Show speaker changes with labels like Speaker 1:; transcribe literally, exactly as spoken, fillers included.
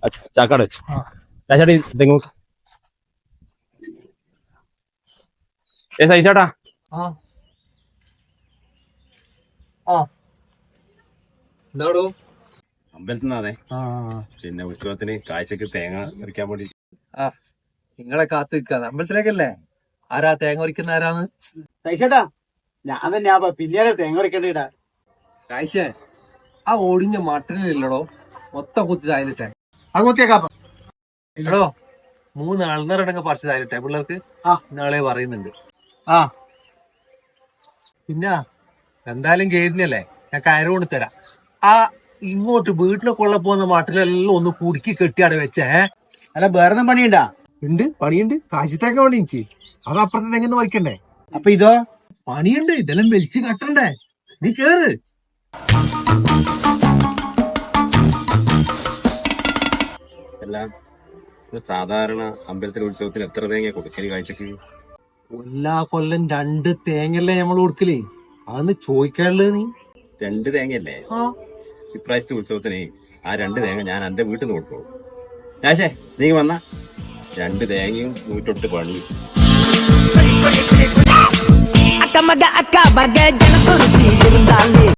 Speaker 1: ചാക്കാട് വെച്ചു ചേട്ടാ തെങ്ങ് ഏ സഹിച്ചേട്ടാ
Speaker 2: എന്താടോ
Speaker 1: അമ്പലത്തിൽ നിന്നാണേ പിന്നെ ഉത്സവത്തിന് കാഴ്ചക്ക് തേങ്ങ പറിക്കാൻ വേണ്ടി
Speaker 2: ആ നിങ്ങളെ കാത്ത് നിൽക്കാന്ന് അമ്പലത്തിലേക്കല്ലേ ആരാ തേങ്ങ പറിക്കുന്ന ആരാന്ന്
Speaker 3: സഹിച്ചേട്ടാ ഞാൻ തന്നെ പിന്നീട് തേങ്ങ പറിക്കേണ്ടിട്ടാ
Speaker 2: കാഴ്ച ആ ഒടിഞ്ഞ മട്ടനില്ലടോ മൊത്തം കുത്തി തായിലിട്ടെ
Speaker 3: അത് കുത്തിയേക്കാം
Speaker 2: എടോ മൂന്ന് അൾന്നറടങ്ങ് പറിച്ച് തായിലിട്ടെ പിള്ളേർക്ക്
Speaker 3: ആ
Speaker 2: നാളെ പറയുന്നുണ്ട്
Speaker 3: ആ
Speaker 2: പിന്നെ എന്തായാലും കേരുന്നല്ലേ ഞാൻ കയറ് കൊണ്ട് തരാം ആ ഇങ്ങോട്ട് വീട്ടിലെ കൊള്ള പോകുന്ന മട്ടിലെല്ലാം ഒന്ന് കുടുക്കി കെട്ടിയാണ് വെച്ചേ
Speaker 3: അല്ല വേറെ പണിയുണ്ടാ
Speaker 2: ഉണ്ട് പണിയുണ്ട് കാശിത്തേക്ക പണി എനിക്ക് അത് അപ്പുറത്തെ തെങ്ങന്ന് വയ്ക്കണ്ടേ
Speaker 3: അപ്പൊ ഇതോ
Speaker 2: പണിയുണ്ട് ഇതെല്ലാം വലിച്ചു കട്ടണ്ടേ നീ കേറ്
Speaker 1: എല്ലാം സാധാരണ അമ്പലത്തിലെ ഉത്സവത്തിന് എത്ര തേങ്ങ കൊടുക്കല് കാഴ്ചക്ക്
Speaker 2: എല്ലാ കൊല്ലം രണ്ട് തേങ്ങല്ലേ നമ്മൾ കൊടുക്കലേ അതൊന്ന് ചോദിക്കാനുള്ളത് നീ
Speaker 1: രണ്ട് തേങ്ങയല്ലേ
Speaker 2: ആ
Speaker 1: ഇപ്രാവശ്യത്തെ ഉത്സവത്തിന് ആ രണ്ട് തേങ്ങ ഞാൻ എന്റെ വീട്ടിൽ നിന്ന് കൊടുത്തോളൂ ഞാശേ നീ വന്ന രണ്ട് തേങ്ങയും നൂറ്റൊട്ട് പണിയും
Speaker 4: அக்கமக அக்கா பக ஜனத்தொரு இருந்தாலே